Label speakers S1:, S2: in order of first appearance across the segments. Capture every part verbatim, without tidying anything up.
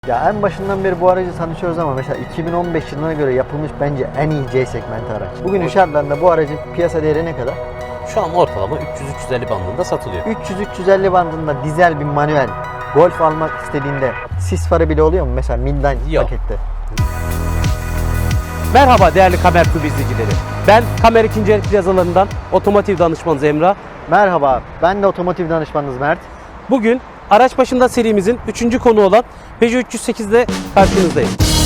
S1: Ya en başından beri bu aracı tanışıyoruz ama mesela iki bin on beş yılına göre yapılmış bence en iyi C segmenti araç. Bugün şartlarında bu aracın piyasa değeri ne kadar?
S2: Şu an ortalama üç yüz üç yüz elli bandında satılıyor.
S1: üç yüz üç yüz elli bandında dizel bir manuel Golf almak istediğinde sis farı bile oluyor mu mesela Midline
S2: Yok.
S1: pakette?
S2: Merhaba değerli Kamer Tube izleyicileri. Ben Kamer ikinci el plazalarından otomotiv danışmanınız Emrah.
S1: Merhaba, ben de otomotiv danışmanınız Mert.
S2: Bugün araç başında serimizin üçüncü konu olan Peugeot üç yüz sekiz ile karşınızdayım.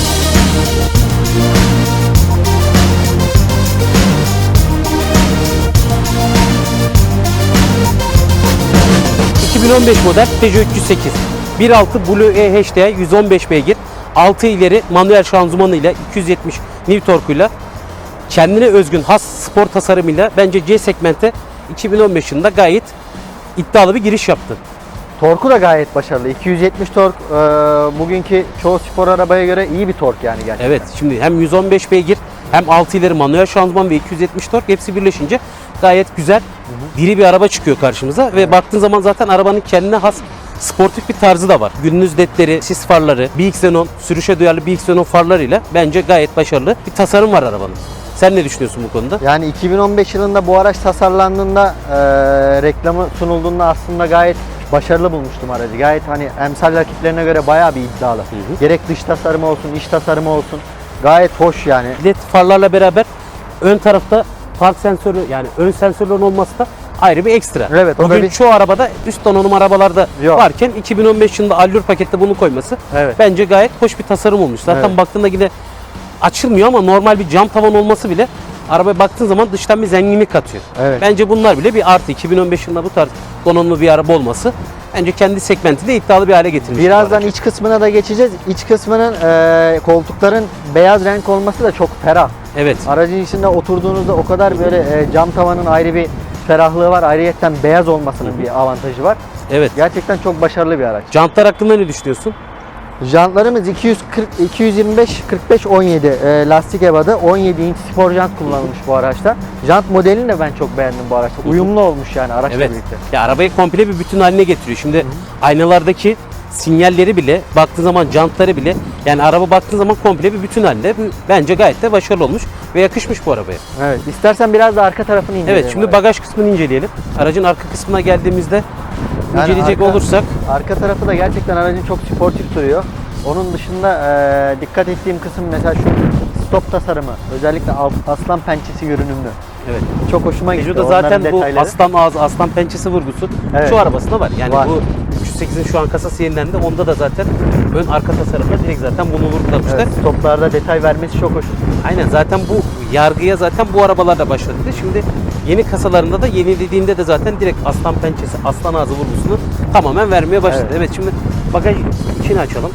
S2: iki bin on beş model Peugeot üç yüz sekiz bir nokta altı Blue E H D yüz on beş beygir, altı ileri manuel şanzımanıyla iki yüz yetmiş Nm torkuyla kendine özgün has spor tasarımıyla bence C segmente iki bin on beş yılında gayet iddialı bir giriş yaptı.
S1: Torku da gayet başarılı. iki yüz yetmiş tork e, bugünkü çoğu spor arabaya göre iyi bir tork yani gerçekten.
S2: Evet, şimdi hem yüz on beş beygir hem altı ileri manuel şanzıman ve iki yüz yetmiş tork hepsi birleşince gayet güzel, diri bir araba çıkıyor karşımıza ve baktığın zaman zaten arabanın kendine has sportif bir tarzı da var. Günümüz ledleri, sis farları, B X Xenon, sürüşe duyarlı B X Xenon farlarıyla bence gayet başarılı bir tasarım var arabanın. Sen ne düşünüyorsun bu konuda?
S1: Yani iki bin on beş yılında bu araç tasarlandığında, e, reklamı sunulduğunda aslında gayet başarılı bulmuştum aracı. Gayet hani emsal rakiplerine göre bayağı bir iddialı. Hı hı. Gerek dış tasarımı olsun, iç tasarımı olsun. Gayet hoş yani.
S2: Led farlarla beraber ön tarafta park sensörü yani ön sensörlerin olması da ayrı bir ekstra.
S1: Evet, o da
S2: bugün
S1: bir...
S2: çoğu arabada üst donanım arabalarda
S1: Yok.
S2: varken iki bin on beş yılında Allure pakette bunu koyması
S1: Evet.
S2: bence gayet hoş bir tasarım olmuş. Zaten
S1: Evet.
S2: baktığında yine açılmıyor ama normal bir cam tavan olması bile arabaya baktığın zaman dıştan bir zenginlik katıyor.
S1: Evet.
S2: Bence bunlar bile bir artı. iki bin on beş yılında bu tarz donanımlı bir araba olması bence kendi segmentinde iddialı bir hale getirmiş.
S1: Birazdan iç kısmına da geçeceğiz. İç kısmının e, koltukların beyaz renk olması da çok ferah.
S2: Evet.
S1: Aracın içinde oturduğunuzda o kadar böyle e, cam tavanın ayrı bir ferahlığı var. Ayrıyeten beyaz olmasının Hı-hı. bir avantajı var.
S2: Evet.
S1: Gerçekten çok başarılı bir araç.
S2: Jantlar hakkında ne düşünüyorsun?
S1: Jantlarımız iki yüz kırk, iki yüz yirmi beş, kırk beş, on yedi e, lastik ebadı. on yedi inç spor jant kullanılmış bu araçta. Jant modelini de ben çok beğendim bu araçta. Uyumlu olmuş yani araçla
S2: Evet.
S1: birlikte.
S2: Ya arabayı komple bir bütün haline getiriyor. Şimdi Hı-hı. aynalardaki sinyalleri bile, baktığın zaman jantları bile, yani araba baktığın zaman komple bir bütün halinde. Bence gayet de başarılı olmuş ve yakışmış bu arabaya.
S1: Evet. İstersen biraz da arka tarafını inceleyelim.
S2: Evet, şimdi
S1: aracı.
S2: bagaj kısmını inceleyelim. Aracın arka kısmına geldiğimizde
S1: Yani
S2: inceleyecek
S1: arka,
S2: olursak
S1: arka tarafı da gerçekten aracın çok sportif duruyor. Onun dışında e, dikkat ettiğim kısım mesela şu stop tasarımı. Özellikle aslan pençesi görünümlü.
S2: evet.
S1: Çok hoşuma gitti.
S2: Peugeot'da zaten bu aslan ağzı, aslan pençesi vurgusu evet. şu arabasında var. Yani var. Bu üç yüz sekizin şu an kasası yenilendi. Onda da zaten ön arka tasarımda direkt zaten bunu vurgulamışlar.
S1: Evet, stoplarda detay vermesi çok hoş.
S2: Aynen, zaten bu yargıya zaten bu arabalarla başladı. Şimdi yeni kasalarında da yenilediğinde de zaten direkt aslan pençesi, aslan ağzı vurgusunu tamamen vermeye başladı. Evet, evet, şimdi bagaj içini açalım.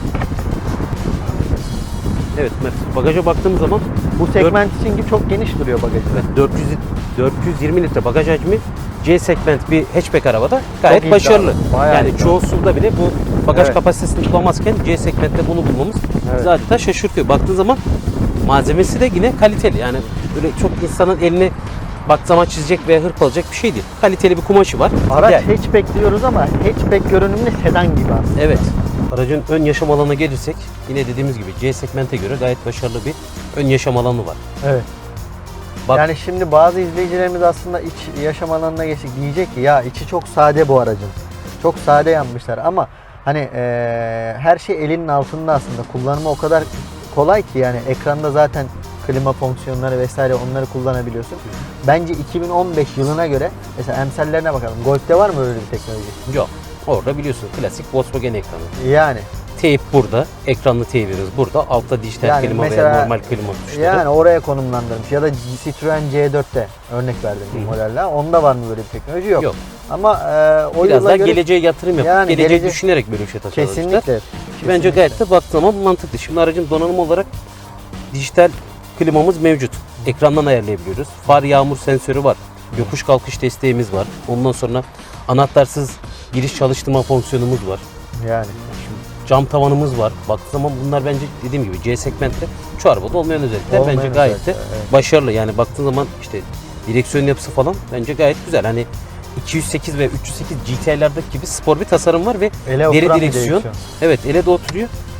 S2: Evet, bagaja baktığımız zaman
S1: bu segment için çok geniş duruyor bagajı.
S2: Evet, dört yüz, dört yüz yirmi litre bagaj hacmi C segment bir hatchback arabada gayet çok başarılı. Yani iddialı. Çoğu SUV'da bile bu bagaj evet. kapasitesini bulamazken C segmentte bunu bulmamız evet. zaten şaşırtıyor. Baktığın zaman malzemesi de yine kaliteli. Yani böyle çok insanın elini baktığı zaman çizecek veya hırpalayacak bir şey değil. Kaliteli bir kumaşı var.
S1: Araç yani. hatchback diyoruz ama hatchback görünümlü sedan gibi aslında.
S2: Evet. Aracın ön yaşam alanına gelirsek yine dediğimiz gibi C segmente göre gayet başarılı bir ön yaşam alanı var.
S1: Evet. Bak, yani şimdi bazı izleyicilerimiz aslında iç yaşam alanına geçtik diyecek ki ya içi çok sade bu aracın. Çok sade yapmışlar ama hani e, her şey elinin altında aslında. Kullanımı o kadar kolay ki yani ekranda zaten klima fonksiyonları vesaire onları kullanabiliyorsun. Bence iki bin on beş yılına göre mesela emsallerine bakalım. Golf'te var mı öyle bir teknoloji?
S2: Yok. Orada biliyorsun klasik Volkswagen ekranı.
S1: Yani.
S2: Teyip burada, ekranlı teyibimiz burada, altta dijital yani klima mesela, veya normal klima tuşları.
S1: Yani oraya konumlandırmış ya da Citroen C dörtte örnek verdim bu modelle. Onda var mı böyle bir teknoloji? Yok. Yok. Ama e, o
S2: biraz daha
S1: göre,
S2: geleceğe yatırım yapıp yani geleceği gelece... düşünerek böyle bir şey tasarlamışlar.
S1: Kesinlikle.
S2: Ki
S1: kesinlikle.
S2: bence gayet de baktığı zaman mantıklı. Şimdi aracın donanım olarak dijital klimamız mevcut. Ekrandan ayarlayabiliyoruz. Far yağmur sensörü var. Yokuş kalkış desteğimiz var. Ondan sonra anahtarsız giriş çalıştırma fonksiyonumuz var.
S1: Yani.
S2: Şimdi cam tavanımız var. Baktığı zaman bunlar bence dediğim gibi C segmentte çoğu arabada olmayan özellikler.
S1: Olmayan
S2: bence gayet de
S1: evet.
S2: başarılı. Yani baktığın zaman işte direksiyon yapısı falan bence gayet güzel. Hani iki yüz sekiz ve üç yüz sekiz G T I'lerdeki gibi spor bir tasarım var ve
S1: ele
S2: deri direksiyon.
S1: direksiyon.
S2: Evet, ele de oturuyor.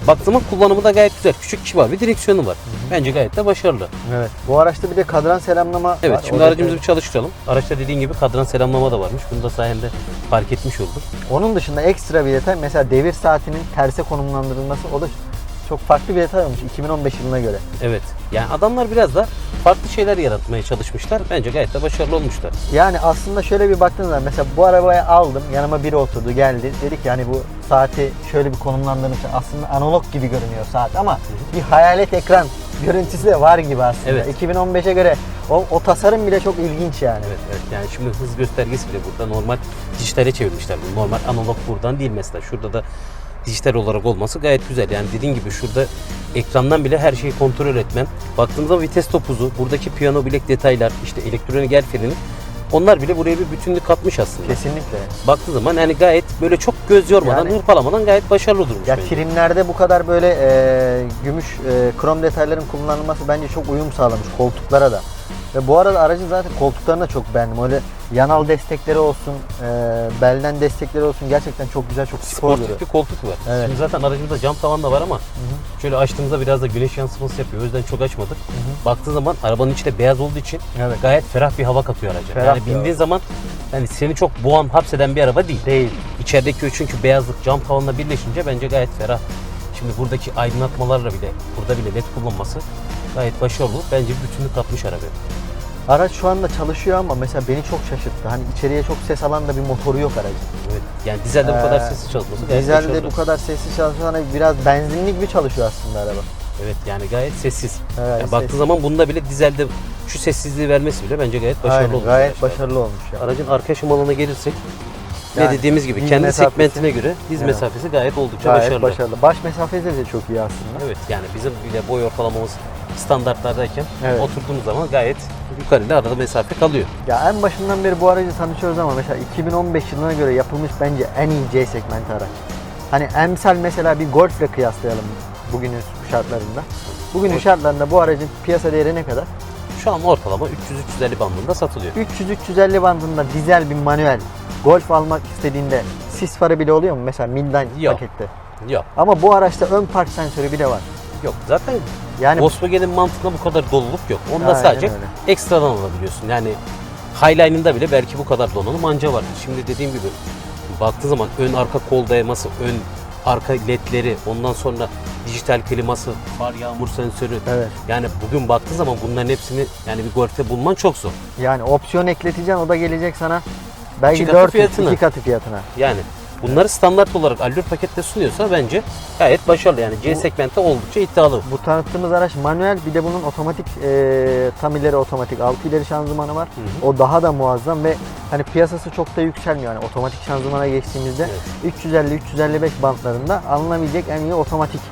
S2: Baktığım zaman kullanımı da gayet güzel. Küçük kibar bir direksiyonu var. Bence gayet de başarılı.
S1: Evet. Bu araçta bir de kadran selamlama
S2: Evet,
S1: var.
S2: şimdi
S1: O
S2: aracımızı
S1: detay-
S2: bir çalıştıralım. Araçta dediğin gibi kadran selamlama da varmış. Bunu da sayende fark etmiş olduk.
S1: Onun dışında ekstra bir detay mesela devir saatinin terse konumlandırılması, o da çok farklı bir detay olmuş iki bin on beş yılına göre.
S2: Evet. Yani adamlar biraz da farklı şeyler yaratmaya çalışmışlar. Bence gayet de başarılı olmuşlar.
S1: Yani aslında şöyle bir baktığınız zaman mesela bu arabayı aldım, yanıma biri oturdu, geldi, dedi ki hani bu saati şöyle bir konumlandırmış, aslında analog gibi görünüyor saat ama bir hayalet ekran görüntüsü de var gibi aslında.
S2: Evet.
S1: iki bin on beşe göre o, o tasarım bile çok ilginç yani.
S2: Evet, evet. Yani şimdi hız göstergesi bile burada normal dijitale çevirmişler. bunu. Normal analog buradan değil mesela. Şurada da dijital olarak olması gayet güzel. Yani dediğin gibi şurada ekrandan bile her şeyi kontrol etmen. Baktığımızda vites topuzu, buradaki piyano bilek detaylar, işte elektronik el freni, onlar bile buraya bir bütünlük katmış aslında.
S1: Kesinlikle.
S2: Baktığı zaman yani gayet böyle çok göz yormadan,
S1: Yani-
S2: hırpalamadan gayet başarılı durmuş
S1: Ya
S2: bence.
S1: filmlerde bu kadar böyle e, gümüş e, krom detayların kullanılması bence çok uyum sağlamış koltuklara da. Ve bu arada aracın zaten koltuklarını da çok beğendim. Öyle yanal destekleri olsun, e, belden destekleri olsun, gerçekten çok güzel, çok spor duruyor.
S2: Sportif bir koltuk var.
S1: Evet.
S2: Şimdi zaten aracımızda cam tavan da var ama şöyle açtığımızda biraz da güneş yansıması yapıyor. O yüzden çok açmadık. Baktığı zaman arabanın içi de beyaz olduğu için
S1: Evet.
S2: gayet ferah bir hava katıyor araca.
S1: Ferah
S2: yani
S1: bir
S2: bindiğin
S1: hava.
S2: zaman yani seni çok boğan, hapseden bir araba değil.
S1: Değil.
S2: İçerideki o çünkü beyazlık cam tavanla birleşince bence gayet ferah. Şimdi buradaki aydınlatmalarla bile, burada bile led kullanması gayet başarılı. Bence bir bütünlük katmış arabaya.
S1: Araç şu anda çalışıyor ama mesela beni çok şaşırttı. Hani içeriye çok ses alan da bir motoru yok aracın.
S2: Evet. Yani dizelde bu kadar
S1: Ee,
S2: sessiz çalışması gayet
S1: Dizelde
S2: başarılı.
S1: bu kadar sessiz çalışan, hani biraz benzinli gibi çalışıyor aslında araba.
S2: Evet, yani gayet sessiz.
S1: Evet,
S2: Yani
S1: sessiz.
S2: baktığı zaman bunda bile dizelde şu sessizliği vermesi bile bence gayet başarılı
S1: Aynen,
S2: olmuş.
S1: gayet
S2: arkadaşlar.
S1: başarılı olmuş ya.
S2: Aracın arka şımalına gelirsek
S1: Yani
S2: ne dediğimiz gibi
S1: diz
S2: kendi
S1: mesafesi-
S2: segmentine göre diz
S1: Evet.
S2: mesafesi gayet oldukça
S1: Gayet
S2: başarılı.
S1: başarılı. Baş mesafesi de çok iyi aslında.
S2: Evet, yani bizim bile boy ortalamamız standartlardayken
S1: Evet.
S2: oturduğumuz zaman gayet yukarıda arada mesafe kalıyor.
S1: Ya en başından beri bu aracı tanışıyoruz ama mesela iki bin on beş yılına göre yapılmış bence en iyi C segment araç. Hani emsal mesela bir Golf'le kıyaslayalım bugünün şartlarında. Bugünün
S2: Golf.
S1: şartlarında bu aracın piyasa değeri ne kadar?
S2: Şu an ortalama üç yüz üç yüz elli bandında satılıyor.
S1: üç yüz üç yüz elli bandında dizel bir manuel Golf almak istediğinde sis farı bile oluyor mu mesela Midline
S2: Yok.
S1: pakette?
S2: Yok,
S1: Ama bu araçta ön park sensörü bile var.
S2: yok. Zaten
S1: Yani
S2: Volkswagen'in mantığında bu kadar doluluk yok. Onda
S1: Aynen
S2: sadece
S1: öyle.
S2: ekstradan alabiliyorsun. Yani Highline'ında bile belki bu kadar donanım anca var. Şimdi dediğim gibi baktığı zaman ön arka kol dayaması, ön arka ledleri, ondan sonra dijital kliması, far yağmur sensörü.
S1: evet.
S2: Yani bugün baktığı zaman bunların hepsini yani bir Golf'te bulman çok zor.
S1: Yani opsiyon ekleteceksin, o da gelecek sana belki
S2: İki katı
S1: dört
S2: fiyatına.
S1: iki katı fiyatına.
S2: Yani bunları standart olarak Allure pakette sunuyorsa bence gayet başarılı. Yani C
S1: Bu-
S2: segmentte oldukça iddialı.
S1: Bu tanıttığımız araç manuel, bir de bunun otomatik e, tam ileri otomatik altı ileri şanzımanı var.
S2: Hı hı.
S1: O daha da muazzam ve hani piyasası çok da yükselmiyor. Yani otomatik şanzımana geçtiğimizde
S2: Evet.
S1: üç yüz elli üç yüz elli beş bantlarında alınabilecek en iyi otomatik.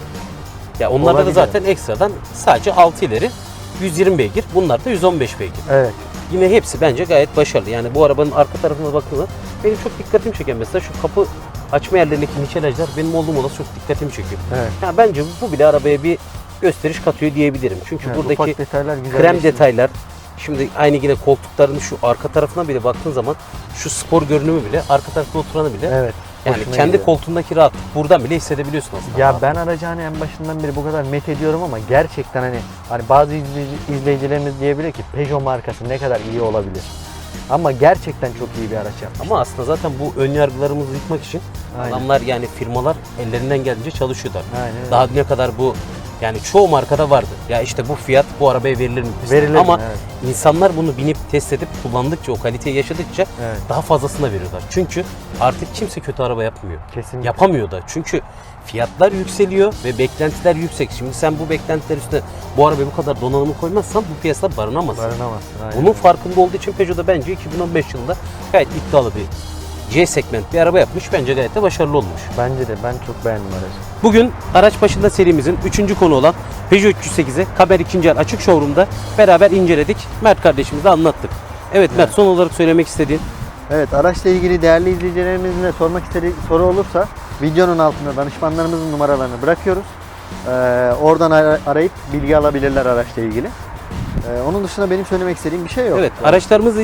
S2: Ya onlarda da
S1: Olabilir.
S2: zaten ekstradan sadece altı ileri yüz yirmi beygir. Bunlar da yüz on beş beygir.
S1: Evet.
S2: Yine hepsi bence gayet başarılı. Yani bu arabanın arka tarafına baktığında benim çok dikkatimi çeken mesela şu kapı açma yerlerindeki nikelajlar benim olduğum olası çok dikkatimi çekiyor.
S1: Evet.
S2: Yani bence bu bile arabaya bir gösteriş katıyor diyebilirim. Çünkü
S1: Evet,
S2: buradaki
S1: ufak detaylar güzel.
S2: krem detaylar, şimdi aynı yine koltukların şu arka tarafına bile baktığın zaman şu spor görünümü bile, arka tarafta oturanı bile
S1: Evet.
S2: yani
S1: hoşuma
S2: kendi
S1: gidiyor.
S2: koltuğundaki rahatlık buradan bile hissedebiliyorsun aslında.
S1: Ya ben aracı hani en başından beri bu kadar met ediyorum ama gerçekten hani hani bazı izleyici, izleyicilerimiz diyebilir ki Peugeot markası ne kadar iyi olabilir. Ama gerçekten çok iyi bir araç yapmış.
S2: Ama aslında zaten bu ön yargılarımızı yıkmak için
S1: Aynen.
S2: adamlar yani firmalar ellerinden geldiğince çalışıyorlar.
S1: Aynen öyle.
S2: Daha ne kadar bu yani çoğu markada vardı. Ya işte bu fiyat bu arabaya verilir mi?
S1: Verilir mi?
S2: Ama
S1: Evet.
S2: insanlar bunu binip test edip kullandıkça, o kaliteyi yaşadıkça
S1: Evet.
S2: daha fazlasını da veriyorlar. Çünkü artık kimse kötü araba yapmıyor.
S1: Kesinlikle.
S2: Yapamıyor da. Çünkü fiyatlar yükseliyor ve beklentiler yüksek. Şimdi sen bu beklentiler üstüne bu arabaya bu kadar donanımı koymazsan bu piyasada barınamazsın.
S1: Barınamazsın. Aynen.
S2: Bunun farkında olduğu için Peugeot da bence iki bin on beş yılında gayet iddialı bir C segment bir araba yapmış. Bence gayet de başarılı olmuş.
S1: Bence de, ben çok beğendim aracı.
S2: Bugün araç başında serimizin üçüncü konu olan Peugeot üç yüz sekizi Kaber ikinci el açık showroom'da beraber inceledik. Mert kardeşimize anlattık. Evet Mert, son olarak söylemek istediğin.
S1: Evet, araçla ilgili değerli izleyicilerimizin de sormak istediği soru olursa videonun altına danışmanlarımızın numaralarını bırakıyoruz. Ee, oradan ara- arayıp bilgi alabilirler araçla ilgili. Ee, onun dışında benim söylemek istediğim bir şey yok.
S2: Evet, araçlarımızı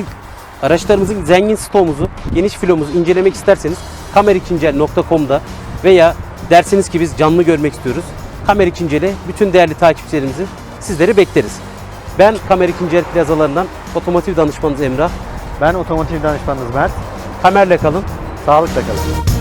S2: araçlarımızın zengin stoğumuzu, geniş filomuzu incelemek isterseniz kamer ikinci el nokta com'da veya Dersiniz ki biz canlı görmek istiyoruz. Kamer İkinceli bütün değerli takipçilerimizi sizleri bekleriz. Ben Kamer İkinceli plazalarından otomotiv danışmanınız Emrah.
S1: Ben otomotiv danışmanınız Mert.
S2: Kamerle kalın.
S1: Sağlıkla kalın.